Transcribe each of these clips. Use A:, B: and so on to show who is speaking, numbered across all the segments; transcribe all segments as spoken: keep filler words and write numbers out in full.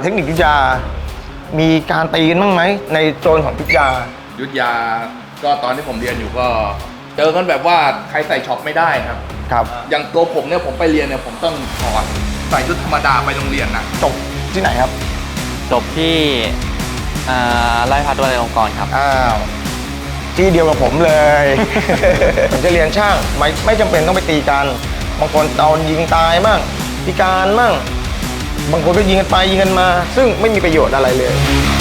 A: ทคนิคยุทธยามีการตีกันบ้างไหมในโซนของยุทธยา
B: ยุทธยาก็ตอนที่ผมเรียนอยู่ก็เจอกันแบบว่าใครใส่ช็อปไม่ได้ครับ
A: ครับ
B: อย่างตัวผมเนี่ยผมไปเรียนเนี่ยผมต้องถอดใส่ชุดธรรมดาไปโรงเรียนนะ
A: จบที่ไหนครับ
C: จบที่ไร่พัฒน์วัดองค์กรครับ
A: อ้าวที่เดียวกับผมเลย ผมจะเรียนช่างไม่ไม่จำเป็นต้องไปตีกันบางคนเอายิงตายมั่งพิการมั่งบางคนก็ยิงกันไปยิงกันมาซึ่งไม่มีประโยชน์อะไรเลย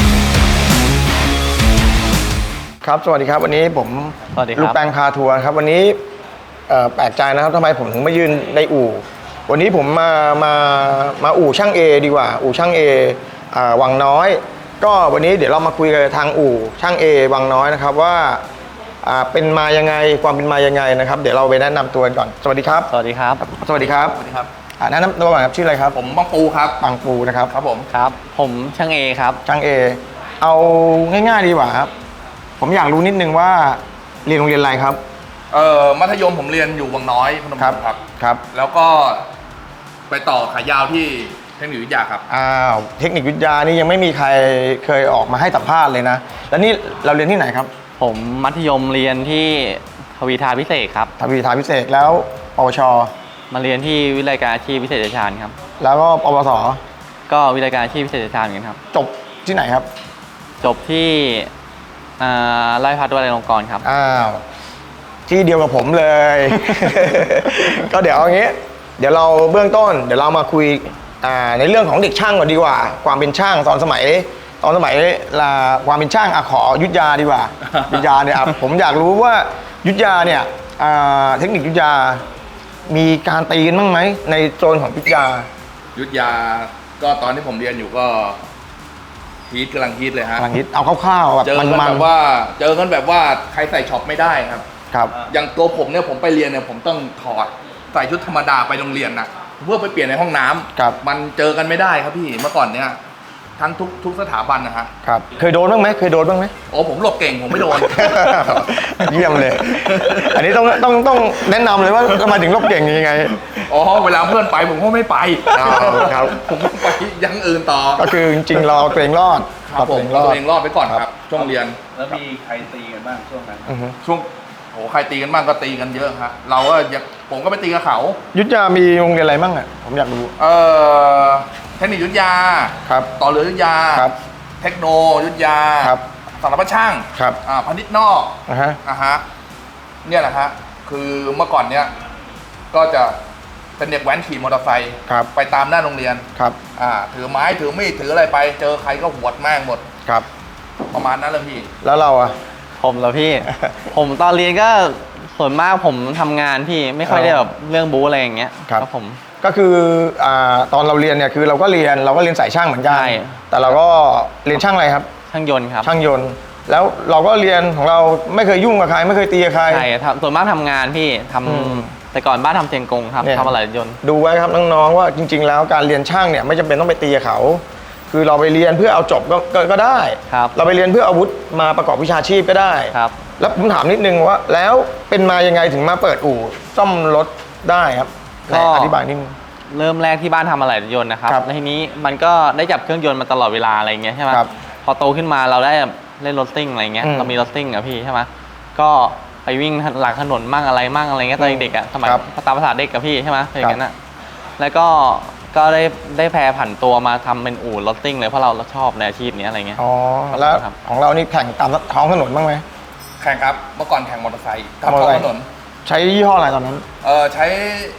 A: ครับสวัสดีครับวันนี้ผมลูกแปงพาทัวร์ครับวันนี้แปลกใจนะครับทำไมผมถึงมายืนในอู่วันนี้ผมมามามาอู่ช่างเอดีกว่าอู่ช่างเอวังน้อยก็วันนี้เดี๋ยวเรามาคุยกันทางอู่ช่างเอวังน้อยนะครับว่าเป็นมายังไงความเป็นมายังไงนะครับเดี๋ยวเราไปแนะนำตัวกันก่อนสวัสดีครับ
C: สวัสดีครับ
A: สวัสดีครับ
B: สวัสดีครับ
A: แนะนำตัวก่อนครับชื่ออะไรครับ
B: ผมบังปูครับ
A: บังปูนะครับ
B: ครับผม
C: ครับผมช่างเอครับ
A: ช่างเอเอาง่ายๆดีกว่าครับผมอยากรู้นิดนึงว่าเรียนโรงเรียนอะไรครับ
B: เอ่อมัธยมผมเรียนอยู่วังน้อยพนม
A: ครับ
B: ครับ
A: ครับ
B: แล้วก็ไปต่อขายาวที่เทคนิควิทยาครับ
A: อ้าวเทคนิควิทยานี่ยังไม่มีใครเคยออกมาให้สัมภาษณ์เลยนะแล้วนี่เราเรียนที่ไหนครับ
C: ผมมัธยมเรียนที่ทวีทาพิเศษครับ
A: ทวีทาพิเศษแล้วปวช
C: มาเรียนที่วิทยาการอาชีพพิเศษเดชานครับ
A: แล้วก็ปวส
C: ก็วิทยาการอาชีพพิเศษเดชานเหมือนกันครับ
A: จบที่ไหนครับ
C: จบที่ไร่พัฒน์วัดองค์กรครับ
A: อ้าวที่เดียวกับผมเลย ก็เดี๋ยวเอางี้เดี๋ยวเราเบื้องต้นเดี๋ยวเรามาคุยในเรื่องของเด็กช่างก่อนดีกว่าความเป็นช่างตอนสมัยตอนสมัยละความเป็นช่างอะขอยุทธยาดีกว่า ยุทธยาเนี่ยผมอยากรู้ว่ายุทธยาเนี่ยเทคนิคยุทธยามีการตีกันบ้างไหมในโซนของยุทธยา
B: ยุทธยาก็ตอนที่ผมเรียนอยู่ก็ฮีทกำลังฮีทเลยฮะ
A: กำลังฮีทเอาคร่าวๆแบบ
B: เจอกันแบบว่าเจอกันแบบว่าใครใส่ช็อปไม่ได้ครับ
A: ครับ
B: อย่างตัวผมเนี่ยผมไปเรียนเนี่ยผมต้องถอดใส่ชุดธรรมดาไปโรงเรียนนะเพื่อไปเปลี่ยนในห้องน้ำ
A: ครับ
B: มันเจอกันไม่ได้ครับพี่เมื่อก่อนเนี่ยทั้งทุกทุกสถาบันนะฮะ
A: ครับเคยโดนบ้างไหมเคยโดนบ้างไหม
B: โอ้ผมหลบเก่งผมไม่โดน
A: เยี่ยมเลยอันนี้ต้องต้องต้องแนะนำเลยว่าทำไมถึงหลบเก่งยังไง
B: อ๋อเวลาเพื่อนไปผมก็ไม่ไป
A: ครับ
B: ผมไปยังอื่นต่อ
A: ก็คือจริงๆเราตัวเองรอด
B: ครับผมตัวเองรอดไปก่อนครับช่วงเรียน
D: แล้วมีใครตีกันบ้างช่วงนั้น
B: ช่วงโอ้ใครตีกันบ้างก็ตีกันเยอะครับเราก็ผมก็ไปตีกับเขา
A: ยุทธยามีโรงเรียนอะไรบ้างอ่ะผมอยากรู้
B: เออเทคนิคยุทธยา
A: ครับ
B: ต่อเรือยุทธยา
A: ครับ
B: เทคโนยุทธยา
A: ครับ
B: สารพัดช่าง
A: ครับ
B: อ่าพนิชนอก
A: อ่าฮะ
B: อ่าฮะเนี่ยแหละฮะคือเมื่อก่อนเนี้ยก็จะเป็นเด็กแว้นขี่มอเตอร์ไซค์ไปตามหน้าโรงเรียน
A: ครับ
B: อ่าถือไม้ถือมีดถืออะไรไปเจอใครก็หวดแม่งหมด
A: ครับ
B: ประมาณนั้นเลยพี่
A: แล้วเราอ่ะ
C: ผมเหรอพี่ ผมตอนเรียนก็ส่วนมากผมทำงานพี่ไม่ค่อยได้แบบเรื่องบู๊อะไรอย่างเงี้ย
A: ครับผมก็คืออ่าตอนเราเรียนเนี่ยคือเราก็เรียนเราก็เรียนสายช่างเหมือนกันแต่เราก็เรียนช่างอะไรครับ
C: ช่างยนต์ครับ
A: ช่างยนต์แล้วเราก็เรียนของเราไม่เคยยุ่งกับใครไม่เคยตีกับใคร
C: ใช่ส่วนมากทำงานพี่ทำแต่ก่อนบ้านทำเทียนกงครับทำอะไรยนต์
A: ดูไว้ครับน้องๆว่าจริงๆแล้วการเรียนช่างเนี่ยไม่จำเป็นต้องไปตีกับเขาคือเราไปเรียนเพื่อเอาจบก็ก็ได้เราไปเรียนเพื่ออาวุธมาประกอบวิชาชีพก็ได้
C: ครับ
A: แล้วผมถามนิดนึงว่าแล้วเป็นมายังไงถึงมาเปิดอู่ซ่อมรถได้ครับก็อธิบายนิดนึง
C: เริ่มแรกที่บ้านทำอะไรยนต์นะครับแล้วทีนี้มันก็ได้จับเครื่องยนต์มาตลอดเวลาอะไรเงี้ยใช่ไหมพอโตขึ้นมาเราได้เล่นรถซิ่งอะไรเงี้ยเรามีรถซิ่งอะพี่ใช่ไหมก็ไปวิ่งหลังถนนมั่งอะไรมั่งอะไรเงี้ยตอนเด็กอะสมัยตามภาษาเด็กกับพี่ใช่ไหมอย่างนั้นอะแล้วก็ก็ได้ได้แพร่ผันตัวมาทำเป็นอู่รถซิ่งเลยเพราะเราชอบในอาชีพนี้อะไรเงี้ย
A: อ๋อแล้วของเรานี่แข่งตามท้องถนนบ้างไหม
B: แข่งครับเมื่อก่อนแข่งมอเตอร์ไซค์ตามท้องถนน
A: ใช้ยี่ห้ออะไรตอนนั้น
B: เออใช้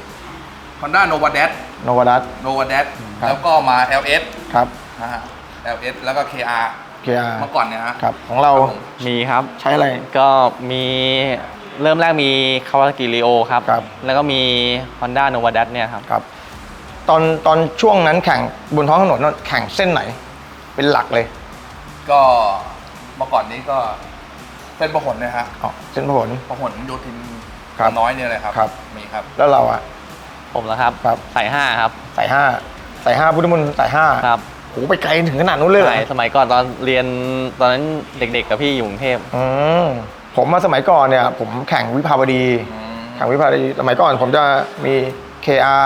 B: Honda Nova Dash
A: Nova Dash
B: Nova Dash แล้วก็มา แอล เอส
A: ครับ
B: นะฮะ แอล เอส แล้วก็ เค อาร์
A: เค อาร์
B: เมื่อก่อนเนี่ยฮะ
A: ครับของเรา
C: มีครับ
A: ใช้อะไร
C: ก็มีเริ่มแรกมี Kawasaki Rio ครับแล้วก็มี Honda Nova Dash เนี่ยครับ
A: ครับตอนตอนช่วงนั้นแข่งบนท้องถนนแข่งเส้นไหนเป็นหลักเลย
B: ก็เมื่อก่อนนี้ก็เส้นพหลนะฮะ
A: อ๋อเส้นพหล
B: พหลโยธินน้อยเนี่ยเลยครับ
A: ครับ
B: มีครับ
A: แล้วเราอ่ะ
C: ผมแล้วครับ
A: ครับ
C: สายห้าครับ
A: สายห้าสายห้าพุทธมณฑลสายห้า
C: ครับ
A: โหไปไกลถึงขนาดนู้นเลย
C: ใช่สมัยก่อนตอนเรียนตอนนั้นเด็กๆกับพี่อยู่กรุงเทพ
A: อืมผมมาสมัยก่อนเนี่ยผมแข่งวิภาวดีแข่งวิภาวดีสมัยก่อนผมจะมี เค อาร์ ก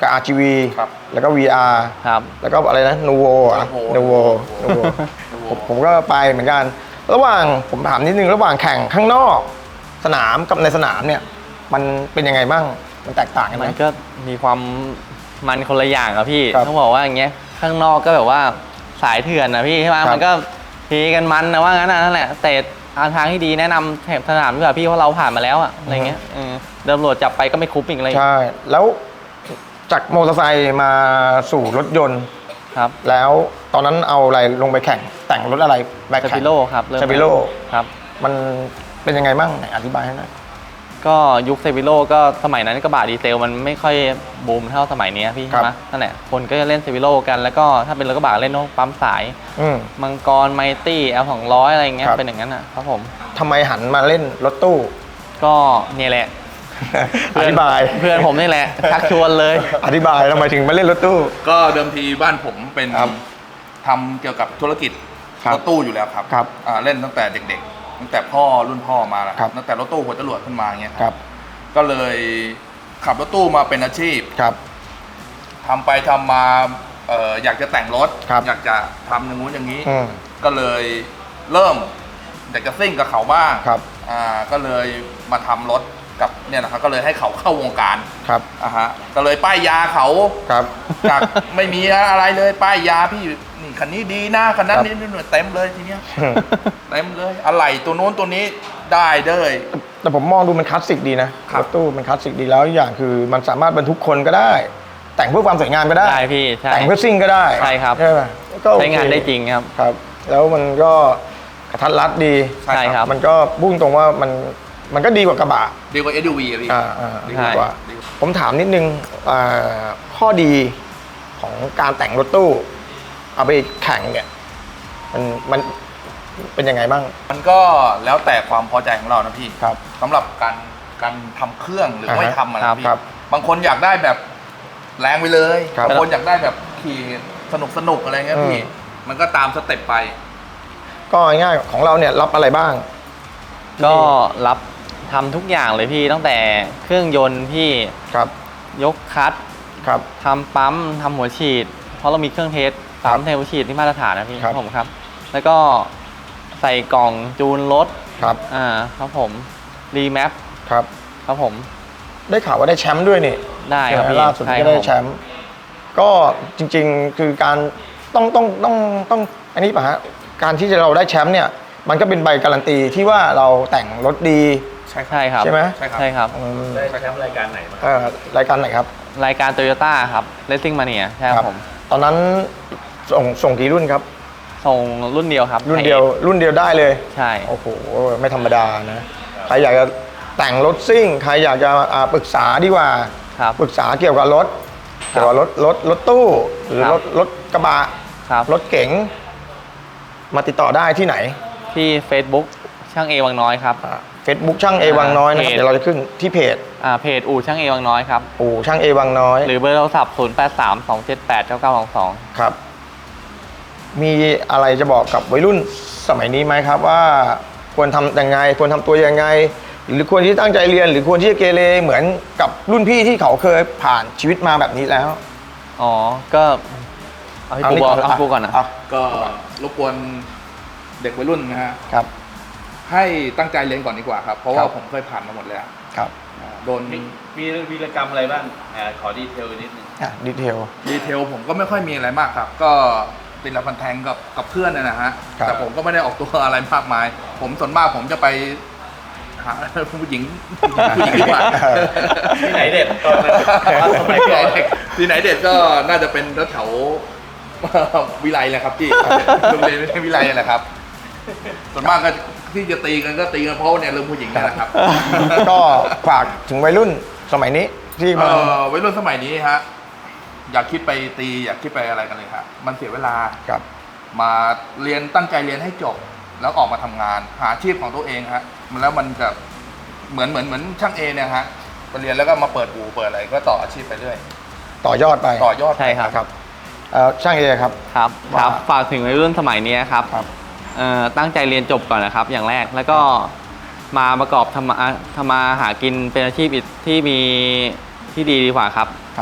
A: กับ อาร์ จี วี
B: ครับ
A: แล้วก็ วี อาร์
C: ครับ
A: แล้วก็อะไรนะนูโวอ่ะ
B: Nuvo
A: นูโวนูโวผมผมก็ไปเหมือนกัน ระหว่างผมถามนิดนึงระหว่างแข่งข้างนอกสนามกับในสนามเนี่ย มันเป็นยังไงบ้างมันแตกต่างกันไหม
C: มันก็มีความมันคนละอย่างอะพี่
A: ครับ
C: ต้องบอกว่าอย่างเงี้ยข้างนอกก็แบบว่าสายเถื่อนนะพี่ใช่ไหม
A: ครับ
C: มันก็เทกันมันนะว่างั้นนะนั่นแหละแต่ทางที่ดีแนะนำแถบสนามดีกว่าพี่เพราะเราผ่านมาแล้วอะอะไรเงี้ยเออเดินตำรวจจับไปก็ไม่คุ้มอีกอะไร
A: ใช่ แล้วจากมอเตอร์ไซค์มาสู่รถยนต์
C: ครับ
A: แล้วตอนนั้นเอาอะไรลงไปแข่งแต่งรถอะไรไป
C: ส
A: แข่
C: ปิ
A: ง
C: โลครับเริ่ม
A: สปิโล
C: ครับ
A: มันเป็นยังไงบ้างไหนอธิบายให้หน่อย
C: ก็ยุคเซฟิโลก็สมัยนั้นกระบะดีเซลมันไม่ค่อยบูมเท่าสมัยนี้พี่
A: ครั
C: ใช่
A: บ
C: ไหมนั่นแหละคนก็จะเล่นเซฟิโลกันแล้วก็ถ้าเป็นรถกระบะเล่นพวกปั๊มสาย
A: อืม
C: มังกรไมตี้แอลสองร้อยอะไรเงี้ย
A: ครับ
C: เป็นอย่างนั้นอ่ะครับผม
A: ทำไมหันมาเล่นรถตู้
C: ก็เนี่ยแหละ
A: อธิบาย
C: เพื่อนผมนี่แหละชักชวนเลย
A: อธิบายทำไมถึงมาเล่นรถตู้
B: ก็เดิมทีบ้านผมเป็น
A: ครับ
B: ทำเกี่ยวกับธุรกิจ
A: ครับ
B: รถตู้อยู่แล้วครับ
A: ครับ
B: อ่าเล่นตั้งแต่เด็กๆ ตั้งแต่พ่อรุ่นพ่อมาแล้ว
A: ครับ
B: ตั้งแต่รถตู้หัวจรวดขึ้นมาเงี้ย
A: ครับ
B: ก็เลยขับรถตู้มาเป็นอาชีพ
A: ครับ
B: ทำไปทำมาเอ่ออยากจะแต่งรถ
A: ครับ
B: อยากจะทำอย่างงู้นอย่างนี้
A: อืม
B: ก็เลยเริ่มอยากจะซิ่งกับเขาบ้าง
A: ครับ
B: อ่าก็เลยมาทำรถกับเนี่ยนะครับก็เลยให้เขาเข้าวงการ
A: ครับ
B: อ่าฮะก็เลยป้ายยาเขา
A: ครับ
B: จาก ไม่มีอะไรเลยป้ายยาพี่นี่คันนี้ดีนะคันนั้น
A: ครับ
B: นี่นี่เต็มเลยทีเนี้ย
A: อืม
B: เต็มเลยอะไรตัวโน้นตัวนี้ได้เลย
A: แต่ผมมองดูมันคลาสสิกดีนะครับ รถตู้มันคลาสสิกดีแล้วอีกอย่างคือมันสามารถบรรทุกคนก็ได้ แต่งเพื่อความสวยงามก็ได้
C: ได้พี่ใช่
A: แต่งเพื่อซิ่งก็ได้
C: ใช่ครับ
A: ใช่ไหมก็โอเค
C: ใช้งานได้จริงครับ
A: ครับ แล้วมันก็กระทัดรัดดี
C: ใช่ครับ
A: มันก็พุ่งตรงว่ามันมันก็ดีกว่ากระบะ
B: ดีกว่า เอส ยู วี อะพี่
A: อ่าอ่า
B: ดี
A: ดี
B: ก
A: ก
B: ว่า
A: ว่า ผมถามนิดนึงอ่าข้อดีของการแต่งรถตู้ เอาไปแข่งเนี่ย มันมันเป็นยังไงบ้าง
B: มันก็แล้วแต่ความพอใจของเรานะพี่
A: ครับ
B: สำหรับการการทำเครื่องหรือ
A: อ่าฮะ
B: ไม่ทำอะไร
C: ครับ
B: พี่
A: ครับ
B: บางคนอยากได้แบบแรงไปเลย
A: ครับ
B: บางคนอยากได้แบบขี่สนุกสนุกอะไรเงี้ยพี่
A: อืม
B: มันก็ตามสเต็ปไป
A: ก็ง่ายๆของเราเนี่ยรับอะไรบ้าง
C: ก็รับทำทุกอย่างเลยพี่ตั้งแต่เครื่องยนต์พี่
A: ครับ
C: ยกคลัตช์
A: ครับ
C: ทำปั๊มทำหัวฉีด เพราะเรามีเครื่องเทสปั๊มเทหัวฉีดที่มาตรฐานนะพี่
A: ครับ
C: ผมครับ แล้วก็ใส่กล่องจูนรถ
A: ครับ
C: อ่าครับผมรีแมป
A: ครับ
C: ครับผม
A: ได้ข่าวว่าได้แชมป์ด้วยนี่
C: ได้ครับ
A: ใช่ไหม
C: พี่
A: ล่าสุด
C: ใช่
A: ก็
C: ครั
A: ได้
C: บผม
A: แชมป์ก็จริงๆคือการต้องต้องต้องต้องอันนี้ป่ะฮะการที่จะเราได้แชมป์เนี่ย มันก็เป็นใบการันตีที่ว่าเราแต่งรถดี
B: ใช่ครับ
C: ใช่ครับ
A: ใช่ไหม
B: ใช่ครับ
C: ใช่ครับ
A: อืม
D: ได้แชมป์รายการไหนมา
A: เอ่อรายการไหนครับ
C: รายการโตโยต้าครับ Racing Mania ใช่ครับผม
A: ตอนนั้นส่งส่งกี่รุ่นครับ
C: ส่งรุ่นเดียวครับ
A: รุ่นเดียวรุ่นเดียวได้เลย
C: ใช่
A: โอ้โหไม่ธรรมดานะใครอยากจะแต่งรถซิ่งใครอยากจะอ่าปรึกษาดีกว่า
C: ครับ
A: ปรึกษาเกี่ยวกับรถ
C: ครับ
A: เกี่ยวกับรถรถรถตู้หรือ
C: ครับ
A: รถรถกระบะ
C: ครับ
A: รถเก๋งมาติดต่อได้ที่ไหน
C: ที่ Facebook ช่างเอวังน้อยครับ
A: เฟซบุ๊กช่างเอวังน้อยนะครับ
C: เพจ
A: เดี๋ยวเราจะขึ้นที่เพจ
C: อ่าเพจอู่ช่างเอวังน้อยครับ
A: ปู่ช่างเอวังน้อย
C: หรือเบอร์โทรศัพท์ ศูนย์ แปด สาม สอง เจ็ด แปด เก้า เก้า สอง สอง
A: ครับ มีอะไรจะบอกกับวัยรุ่นสมัยนี้ไหมครับว่าควรทำยังไงควรทำตัวยังไง หรือควรที่ตั้งใจเรียน หรือควรที่จะเกเรเหมือนกับรุ่นพี่ที่เขาเคยผ่านชีวิตมาแบบนี้แล้ว
C: อ๋อ ก็เอาพี่ปูบอกเอาพี่ปูก่อนนะ
A: ะ
B: ก็รบกวนเด็กวัยรุ่นนะฮะ
A: ครับ
B: ให้ตั้งใจเรียนก่อนดีกว่าครับ เพราะ
A: ค
B: ว่า
A: รับ
B: ผมเคยผ่านมาหมดแล้ว
A: ครับ
B: อ่าโดน
D: มีมีวีรกรรมอะไรบ้างอ่าขอดีเทลนิดนึง
A: อ่ะดีเทล
B: ดีเทลผมก็ไม่ค่อยมีอะไรมากครับ ก็ติดละพันแทงกับกับเพื่อนนะนะฮะ
A: ครับ
B: แต่ผมก็ไม่ได้ออกตัวอะไรมากมาย ผมส่วนมากผมจะไปหาผู้หญิงผู้หญิงดีกว่า
D: ที่ไหนเด็ดตอนนั้นสมัย
B: ที่ไห
D: ก่
B: น
D: อน
B: เด็กที่ไหนเด็ดก็น่าจะเป็นแถวๆวิไลแหละครับพี่โรงเรียนไม่ใช่วิไลแหละครับ ส่วนมากก็ที่จะตีกันก็ตีกันเพราะว่าเนี่ยเรื่องผู้หญิงนี่แหละครับ
A: ก็ฝากถึงวัยรุ่นสมัยนี้ที่
B: เอ
A: มา
B: อวัยรุ่นสมัยนี้ฮะอยากคิดไปตีอยากคิดไปอะไรกันเลยครับมันเสียเวลา
A: ครับ
B: มาเรียนตั้งใจเรียนให้จบ แล้วออกมาทำงาน หาอาชีพของตัวเองฮะมันแล้วมันจะเหมือนเหมือนเหมือนช่างเอเนี่ยฮะไปเรียนแล้วก็มาเปิดอู่เปิดอะไรก็ต่ออาชีพไปเรื่อย
A: ต่อยอดไป
B: ต่อยอดไป
C: ใช่ครับ
A: ครับเอ่อช่างเอครับ
C: ครับ
A: ว่า
C: ครับ ฝากถึงวัยรุ่นสมัยนี้ครับ
A: ครับ
C: เอ่อตั้งใจเรียนจบก่อนนะครับ อย่างแรก แล้วก็มาประกอบทำมาทำมาหากินเป็นอาชีพที่มีที่ดีดีกว่าครับ
A: ครับ
C: ม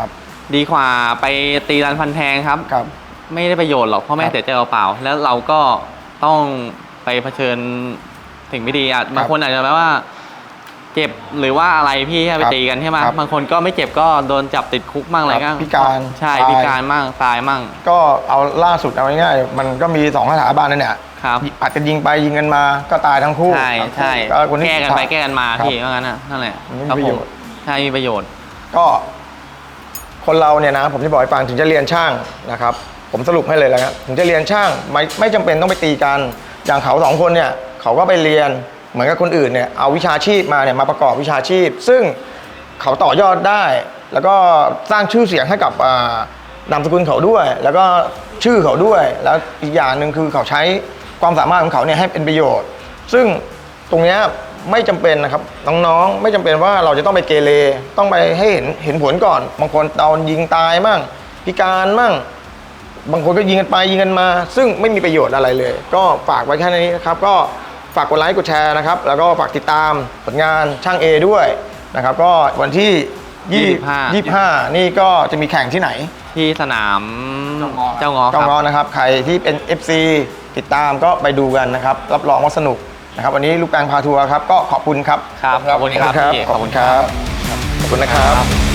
C: ดีกว่าไปตีรันฟันแทงครับ
A: ครับ
C: ไม่ได้ประโยชน์หรอกพ่อแม่
A: ครับ
C: เสียใจเปล่าๆแล้วเราก็ต้องไปเผชิญสิ่งไม่ดีอ่ะบางคนอาจจะแบบว่า เจ็บหรือว่าอะไรพี่ไปตีกันใช่ไหม
A: ครับ
C: บางคนก็ไม่เจ็บก็โดนจับติดคุกมั่งอะไร
A: ครั
C: ก็
A: บพิการ
C: ใช่
A: ตาย
C: พิการมั่งตายมั่ง
A: ก็เอาล่าสุดเอาง่ายๆมันก็มีสองสถาบันนั่นเนี่ย
C: ครับ
A: อาจจะยิงไปยิงกันมาก็ตายทั้งคู่
C: ใช่ใช่
A: ก็คนที่
C: แก้กันไปแก้กันมา
A: ครับ
C: พี่ว่างั้นน่ะนั่นแหละ
A: มันไม่มี
C: ครับ
A: ประ
C: ผ
A: โย
C: ม
A: ชน์
C: ใช่มีประโยชน์
A: ก็คนเราเนี่ยนะผมจะบอกให้ฟังถึงจะเรียนช่างนะครับ ผมสรุปให้เลยแล้วครับถึงจะเรียนช่างไม่ไม่จำเป็นต้องไปตีกัน อย่างเขาสองคนเนี่ยเขาก็ไปเรียนเหมือนกับคนอื่นเนี่ยเอาวิชาชีพมาเนี่ยมาประกอบวิชาชีพ ซึ่งเขาต่อยอดได้ แล้วก็สร้างชื่อเสียงให้กับอ่านามสกุลเขาด้วย แล้วก็ชื่อเขาด้วย แล้วอีกอย่างหนึ่งคือเขาใช้ความสามารถของเขาเนี่ยให้เป็นประโยชน์ ซึ่งตรงเนี้ยไม่จำเป็นนะครับน้องๆไม่จำเป็นว่าเราจะต้องไปเกเรต้องไปให้เห็นเห็นผลก่อน บางคนโดนยิงตายมั่งพิการมั่งบางคนก็ยิงกันไปยิงกันมา ซึ่งไม่มีประโยชน์อะไรเลย ก็ฝากไว้แค่นี้นะครับก็ฝากกดไลค์กดแชร์นะครับแล้วก็ฝากติดตามผลงานช่างเอด้วยนะครับก็วันที่ยี่สิบห้านี่ก็จะมีแข่งที่ไหน
C: ที่สนาม
B: เจ้างอ
C: เจ้างอค
A: ต้อง
C: รับ
A: รอนะครับใครที่เป็น เอฟ ซี ติดตามก็ไปดูกันนะครับรับรองว่าสนุกนะครับวันนี้ลูกแปลงพาทัวร์ครับก็ขอบคุณครับ
C: ครับขอบคุณครับพี่
A: ขอบคุณครับขอบคุณนะครับ